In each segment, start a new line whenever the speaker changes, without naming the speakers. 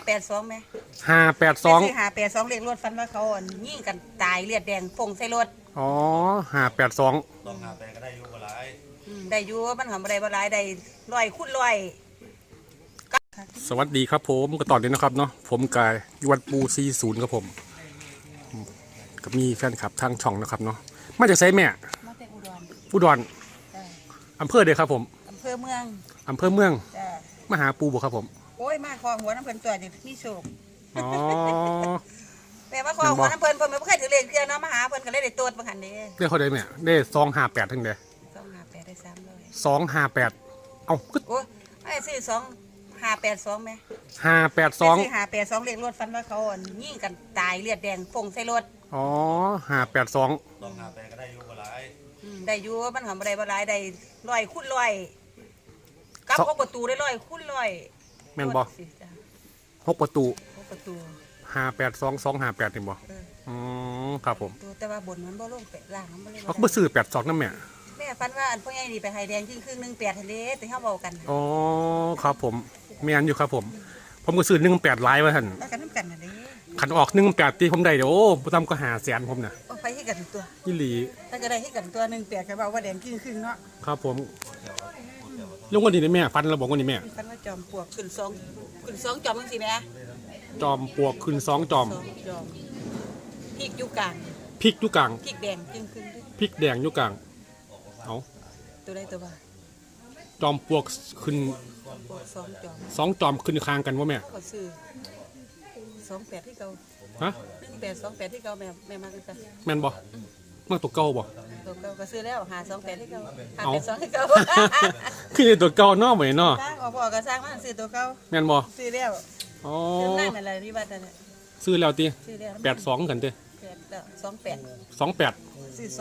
582ไหม
582
582เลขรถฟันว่าเขายิงกันตายเลือดแดงฟงใส่รถ
อ๋อ582
ต้อง5 8ก็ได้อยู่บ่หลาย
ได้อยู่มันหอมอะไรบ่หลายได้100 คูณ 100
สวัสดีครับผมก็ตอนนี้นะครับเนาะผมกายยวัดปู40ครับผมก็มีแฟนคลับทางช่องนะครับเนาะมาจากไซแม่
มาจาก
อุดรอำเภอเดียวครับผม
อำเภอเมือง
มาหาปูบ่ครับผม
โอ้ยมาคอหัวน้ำเพลินตัวนี่มีโชค
อ๋อ
แม่มาคอหัวน้ำเพลินไม่เคยถือเลขเที่ยวเนาะมาหาเพลินก็เลยได้ตัวบางหันเด้
ได้เขาได้แม่ได้258ทั้งเด้
258ได้
258เอ้า
โอ้ยไอ้ซื้อ582ไหม
582
เลขรถฟันว่าเขายิงกันตายเลือดแดงฟงใส่รถ
อ๋อ582
ต้อง5 8ก็ได้อยู่บ่หลาย
ได้อยู่มันหอมอะไรบ่หลายได้100 คูณ 100กับ6 ประตูได้100 คูณ 100
แม่นบ่6 ประตู582 258นี่บ่ครับผม
แต่ว่าบนมันบ่ลงแปะล่างมันบ่เลย
เขาบ่ซื้อ82นำแม่
ฟันว่าอันพ่อใหญ่นี่ไปไฮแดงครึ่ง18ทะเลแต่เฮาเว้ากัน
อ๋อครับผมแม่นอยู่ครับผมก็ซื้อ18หลายว่าซั่น
แล้วกันนำกันน่ะเด้
คันออก18ตีผมได้เด้อโอ้บ่ต่ำก็500,000ผมน่ะ
ไปให้กันตัว
อีหลี
ถ้าก็ได้ให้กันตัว18ก็เว้าว่าแดงครึ่งเนาะ
ครับผมลงวันนี้ได้แม่ฟันเราบอกวันนี้แม่
ฟันว่าจอมปลวกขึ้น2จอมจังซี่แม่
จอมปลวกขึ้น2จอม
พริกอยู่กลาง
พริกแดง
ครึ่ง
พริกแดงอยู่กลางเอา
ตัวใดตัวว่า
จอมปลวกขึ้น2จอมขึ้นคางกันว่าแม่
ก็ซื้อ28ที่เก่า
ฮะ
1828ที่เก่าแม่มาคือกัน
แม่นบ่มาตัวเก่าบ่
ตัวเก่าก็ซื้อแล้ว528ที่เก่า582ที่เก่า
คือตัวเก่าเนาะแม่เนาะ
สร้างออกก็สร้างมาซื้อตัวเก่า
แม่นบ่
ซื้อแล้ว
อ๋อ
นั่นอะไรนี่บัดนั่น
ซื้อแล้วติ
ซื้อแล้ว
82กันติ
28ซื้อ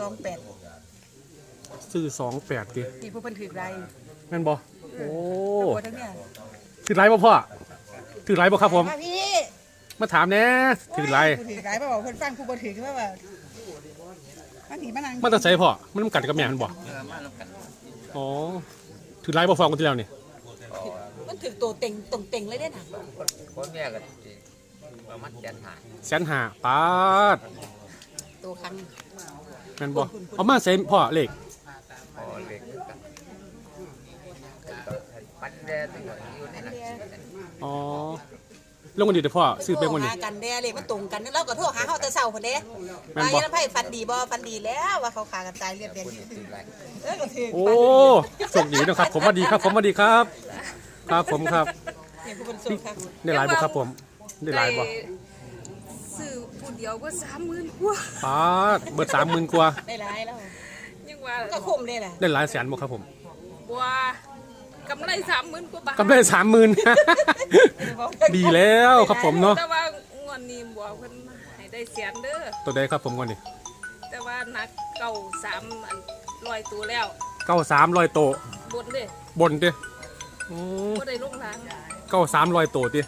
28ติ
ที่ผู้เพิ่นถือไร
แม่นบ่โอ้ถือไร
บ่
พ่อถือไรบ่ครับผม
พี่
มาถามแน่ถือไร
บ่บอกเพิ่นฟังผู้บ่ถือคือว่าอันนี้มานั่ง
มันต้องใส่พ่อมันกัดกับแม่มันบ่อ๋อถือไรบ่ฟังกันที่แล้วนี่
มันถือตัวเต็งตรงเต็งเลยเด้น่ะ
คนแม่ก็ประมาณ
150,000ปาด
ตัวคัน
แม่นบ่เอามาใส่พ่อเลข
เลขปันแดดอยู่ในนั้น
อ๋อลงกันดีเด้อพ่อซื้อไปวันนี้
หากันแด่เลขมันตรงกันแล้วก็โทรหาเฮาแต่เช้าพุ่นเด้ว่ายันไผฟันดีบ่ฟันดีแล้วว่าเขาขากันตายเลือดแดงก็ถือ
โอ้โชคดีนะครับผมว่าดีครับครับผมครับได้หลายบ่ครับผมได้หลายบ่
ซื้อผู้เดียวก็30,000 กว่า
ปาดเบิด30,000 กว่า
ได้หลายแล้ว
ยังว่า
ก็คุ้มได้แหละ
ได้หลายแสนบ่ครับผม
บ่กำไร30,000 กว่าบาท
กำไร30,000ดีแล้วครับผมเนาะ
แต่ว่างวดนี้บ่เพิ่นให้ได้แสนเด้อ
ตัวใดครับผมก่อนนี่
แต่ว่านัก93 100ตัวแล้ว
93 100ตัวบนเด้
บ่ได้ลงทาง
93 100ตัวติ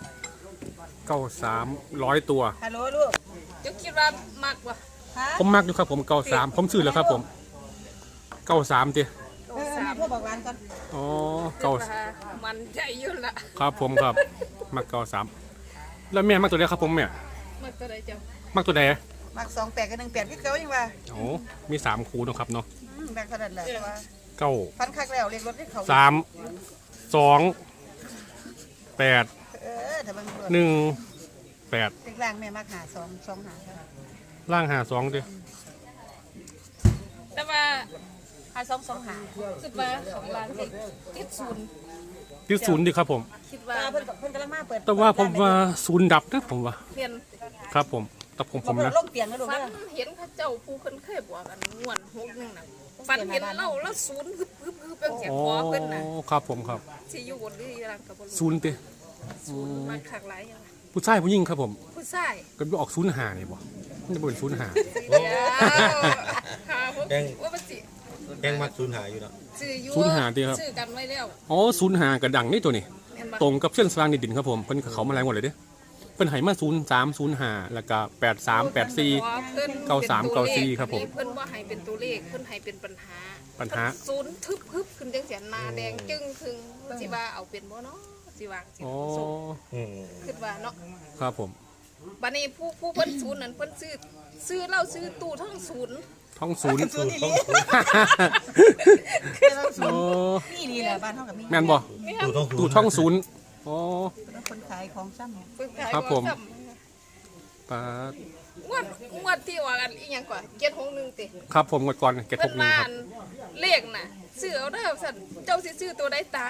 93 100ตัว
ฮัลโหลลูก
จะคิดว่ามักบ่
ผมมักอยู่ครับผม93ผมซื้อแล้วครับผม93ติ
พ่อบอกร้านก่อน
อ๋อ
มันใจอยู่ละ
ครับผมครับมัก93แล้วแม่มักตัวใดครับผมแม่
มักตัวใดเจ้า
มักตัวใด
มัก28กับ18คือเก่ายังว่า
โอ้มี3คู่เนาะครับเนาะ
แบ่งเท่านั้นแหละว่า
9
ฟันคักแล้วเลขรถให้เขา
3 2 8
ถ้าเบิ่ง
1 8
เลขล่างแม่มัก52 25ครับ
ล่าง52ติ
แต่ว่า5225คิดว่าของร้านติด
0ดิครับผม
คิดว่า
เพิ่นกำลังมาเปิด
แต่ว่าผมว่า0ดับนะผมว่า
เปลี่ยน
ครับผมแต่ผมนะ
ลงเปลี่ยนนะลูก
ฟันเห็นพระเจ้าผู้เพิ่นเคยบอกกันง่วน6นึงน่ะฟันเห็นเล่าแล้ว0ฮึบเป็นเสียงคอเพิ่นน่ะ
ครับผมครับ
สิอยู่บนหรือยังก็บ่
รู้0ติ
มาคักหลายอย่าง
ผู้ชายผู้หญิงครับผม
ผู้ชาย
ก็ออก05นี่บ่มันจะเป็น05
ว่ามันสิ
แกงมัก05อยู่เนาะ
05ติครับ
ซื้อกันไว้แล้ว
อ๋อ05ก็ดังนี่ตัวนี้ตรงกับเส้นสว่างในดินครับผมเพิ่นเขามาหลายหมดเลยเด้เพิ่นให้มา0305แล้วก็83 84 93 94ครับผม
เพิ่นบ่ให้เป็นตัวเลขเพิ่นให้เป็นปัญหา0ทึบขึ้นจังซี่หน้าแดงจึ้งคึงสิว่าเอาเป็นบ่เนาะสิวางสิ
อ๋อ
ส่ง
อืม
คิดว่าเนาะ
ครับผม
บัดนี้ผู้เพิ่นศูนย์นั่นเพิ่นซื้อเหล้าซื้อตู้ทั้งศูนย์
ท้องศูนย์
ศูนย์อีหลี
โอ้
นี่นี่แหละบ้านเฮากับมี
แม่นบ่
ตู้ต้อง
ตู้ท้องศูนย์อ๋อ
เป็นคนขายของซ้ำ
เพิ่นขาย
ครับผม
ว่าซ้
ปาด
ำงวดที่ว่ากันอีหยังกว่า761ติ
ครับผมงวดก่อนเก็ต
เพิ่
ห
น
กหนึ่ง
ว่า
ครับ
เลขน่ะซื้อเอาเด้อสั่นเจ้าสิซื้อตัวใดตา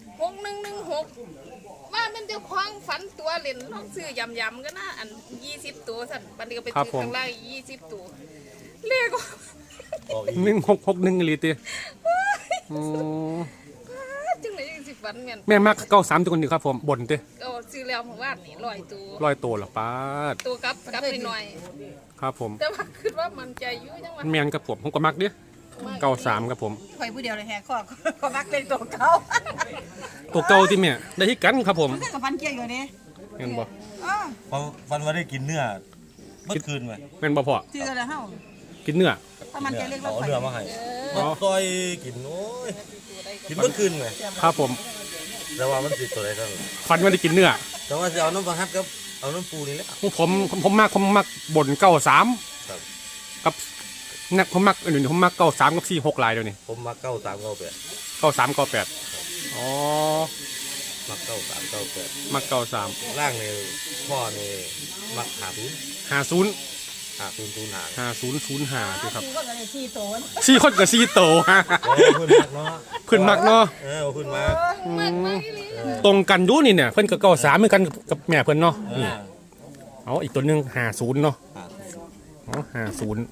6116ว่ามันเจ้าของฝันตัวเล่นลองซื้อยำๆก็น่าอัน20ตัวสั่นบัดนี้ก็ไปซื้อข้างล่าง20ตัวเลข
ออกอีก
1661อีหลีติอ๋อ
จังไหนยังสิฝันแม่น
แม่มัก93ตัวคนนี้ครับผมบนติ
ก็ซื้อแล้วเมื่อวานนี่100ตัว
100ตัวเหรอปาด
ตัวกลับหน่อย
ครับผม
ๆแต่ว่าคิดว่ามันใจอยู่จังว่า
แม่นกับผมก็มักเด้93ครับผม
ข่อยผู้เดียวเลยแฮะข้อก็มักเป็นตัวเก่า
ตัวเก่าที่แม่ได้ที่กันครับผม
กับฟันเกี้ยอยู่นี่
แม่นบ่
อ๋อ
ฟันว่าได้กินเนื้อเมื่อคืนไหม
แม่นบ่พ่อ
ชื่ออะไรเฮา
กินเนื้อ
ถ้ามันจะเรียกว่า
เอา
ข่อย
เนื้อมาให้มาต้อยกินโอ้ยกินเมื่อคืนไหม
ครับผม
แต่ว่ามันติดตัวอะไรกัน
ฟันว่าได้กินเนื้อ
แต่ว่าจะเอาน้ำปลาฮัดกับเอาน้ำปูนี่แหละ
ผมมักบ่น93
ครับ
กับนักผมมักอื่นผมมัก93กับ46ลายเดี๋ยวนี้
ผมมา93
93 98อ๋อ
มา93 98
มัก93
ล่างในพ่อในมักหาทุน
50
หาทุนทุนหา
5005ด้วยครับ
ก็เลย4โตน
4คนกับ4โต
โอ้เพื่อนมักเนาะ
เพิ่นมักเนาะ
เพื่อนมัก
มันอีหลี
ตรงกันอยู่นี่เนี่ยเพิ่นก็93เหมือนกันกับแม่เพิ่นเนาะนี่เอาอีกตัวหนึง50เนาะอ๋อ50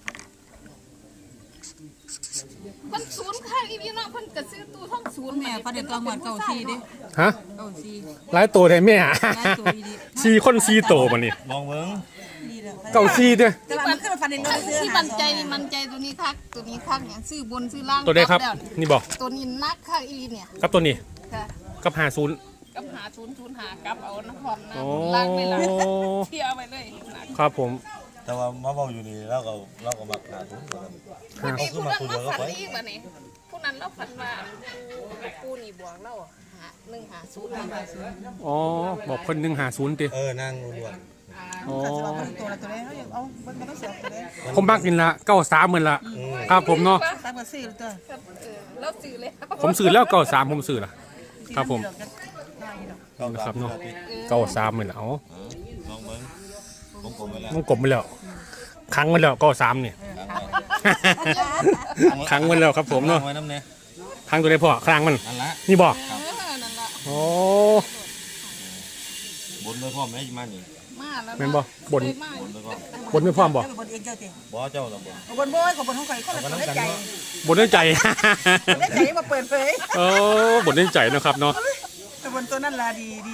เพิ่นศูนย์ข้างอีหลีเนาะเพิ่นก็ซื้อตู้ท่องศูนย์
แม่พอเด็กตัวหมดเก่าซีเด้
ฮะ
เก่าซี
หลายตัวได้แม่
ตัวอีดี
4คน4โตบัดนี้
มองเบิ้ง
ดีแล้ว
เก้า4เด้อ
แต่ว่ามันขึ้นมาฟันในรถซื้อ
ที่มันใจนี่มันใจตัวนี้คักตัวนี้คักเนี่ยซื้อบนซื้อล่าง
ตัวใดครับ
แล้ว
นี่บ่
ตัวนี้นักคักอีหลีเนี่ย
กับตัวนี้
ค่ะ
กับ50
กับหาศูนย์หากลับเอาน้ำหอมนะ
โอ้
ล่างไม่ล่างเที่ยวไปเลยนัก
ครับผม
แต่ว่ามาเบาอยู่นี่แล้วก็มักหาทุน
วันนี้
ขึ้
ผู้
นมา
นั้น
คนเดี
เรา
ยวก็
ฝัน
ไป
อีกวันนี้ผู้นั้นเราฝันว่าผู้นี่บวกเรา150
อ๋อบอกเพิ่น150ติ
นั่งล้วน
อ๋อ
เขาจะเอาตัวละตัวเลยเขาอยากเอาเบิ่งกันต้องเสียตัวเลย
ผมมักนี่ละ93เหมือนละครับผมเนาะ
ตามกับซื้อตัว
เราซื้อเลย
ผมซื้อแล้ว93ผมซื้อละครับผม
ๆเข้า
นะครับ
ตาม
เนาะ
ที่
93เหมือนละเอา
ลองเบิ้งผมกลมไปแล้ว
มันกลมไปแล้วครั้งไปแล้ว93เนี่ยครั้งไปแล้วครับผมเนาะ
ไว้น้ำเนี่ย
ครั้งตัวได้พอครั้งมัน
นั่นละ
นี่บ่
นั่นละ
โอ้
บนด้วยพ่อแม่มานี่
มาแล้ว
แม่นบ่บน
เคยมา
บนด้วยพ่อบ
นไม่พร้อมบ่
บนเองเจ้าติ
บ่เจ้าละบ่
บนบ่อยของบนของข่อยคนละตัวได้ใจ
บนด้วยใจ
ได้ใจมาเปิดเผย
โอ้บนด้วยใจนะครับเนาะ
แต่บนตัวนั้นล่ะดีดี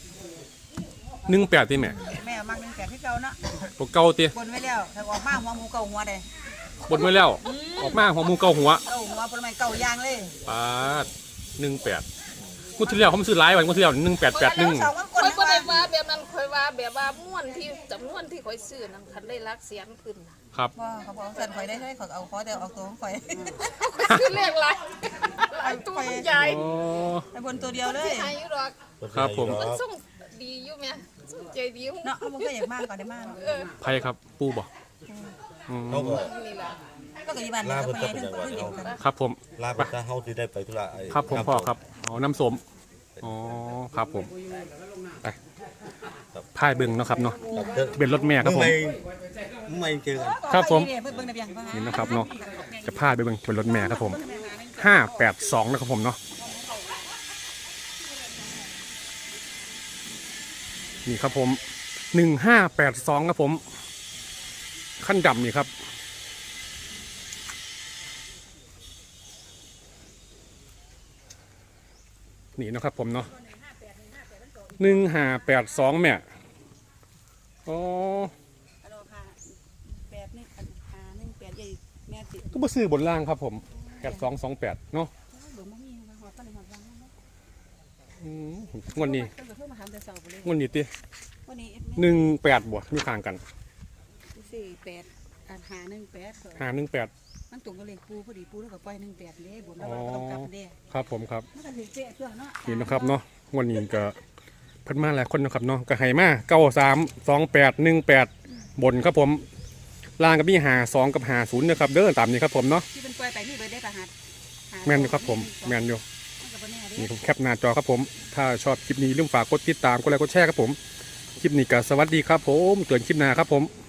18ติแม่
แม่มักนึงแก่ที่เก่าเนาะ
ตัวเก่าติ
บนไว้แล้วถ้าออกมาหัวหมูเก่าหัวได้
บนไว้แล้ว ออกมาหัวหมูเก่าหัว
เก่าหัวผลไม้เก่ายางเลย
ปาด18งวดที่แล้วผมซื้อหลายวันงวดที่แล้ว1881
สองคน
คอย
นะ
ก็ได้ว่าแบบนั้นคอยว่าแบบว่าม่วนที่จำนวนที่คอยซื้อนั้นคันได้รักเสียงขึ้นน่ะ
ครับ
ว่าเขาบอกสั่นข่อยได้ให้ข่อยเอาขอแต่เอาตัวของข่อย
คือเลขหลายหลายตัวมันใหญ่
อ๋อ
ไอ้บนตัวเดียวเลย
หายอยู่หรอก
ครับผม
มันส่งดีอยู่แม่ส่งใจดี
เนาะเขาบอกก็อยากมากก่อนได้มาก
ไผครับปูบ่อืม
เขาก็
นี่ล่ะ
ก็กับยี่บ้านนี่ก็ไปเรื่องเดียวกัน
ครับผม
ลาไปถ้าเฮาสิได้ไปธุระไอ้
ครับผมพ่อครับอ๋อน้ำส้มอ๋อครับผมไปพายเบิ่งเนาะครับเนาะ
ครับเด้อ
ทะเบียนรถแม่ครับผม
ไม่เจอกัน
ครับผม
เพิ่งได้เพียงเพิ่ง
นี่นะครับเนาะจะพาไปเบิ่งทะเบียนรถแม่ครับผม582นะครับผมเนาะนี่ครับผม1582ครับผมขั้นดำนี่ครับนี่นะครับผมเนาะ1582แม่อ๋อ
8 1 5 1 8ใหญ่แม่ติ
ก็มาซื้อบนล่างครับผม8228เนาะ
บ่มีหัวปานหัววาง
งวดนี้
ก็จะโทรมาถามแต่เช้าไปเลย
งวดนี้ติ
วันนี้
18บวกมีข้างกัน
48อัน518
518
มันตรงกับเลขปูพอดีปูแล้วก็ปล่อย18เด้บุญแล้วก็ต้องกลับเด้
ครับผมครับ
มันก็สิเป๊ะตัวเนาะ
นี่นะครับเนาะงวดนี้ก็เพิ่นมาหลายคนนะครับเนาะก็ให้มา932818บนครับผมล่างก็มี52กับ50นะครับเด้อตามนี้ครับผมเนาะ
ที่เป็นปล่อยไปนี่เบิดได้ประหัด
แม่นอยู่ครับผมแม่นอยู่นี่ผมแคปหน้าจอครับผมถ้าชอบคลิปนี้อย่าลืมฝากกดติดตามกดไลค์กดแชร์ครับผมคลิปนี้ก็สวัสดีครับผมเตือนคลิปหน้าครับผม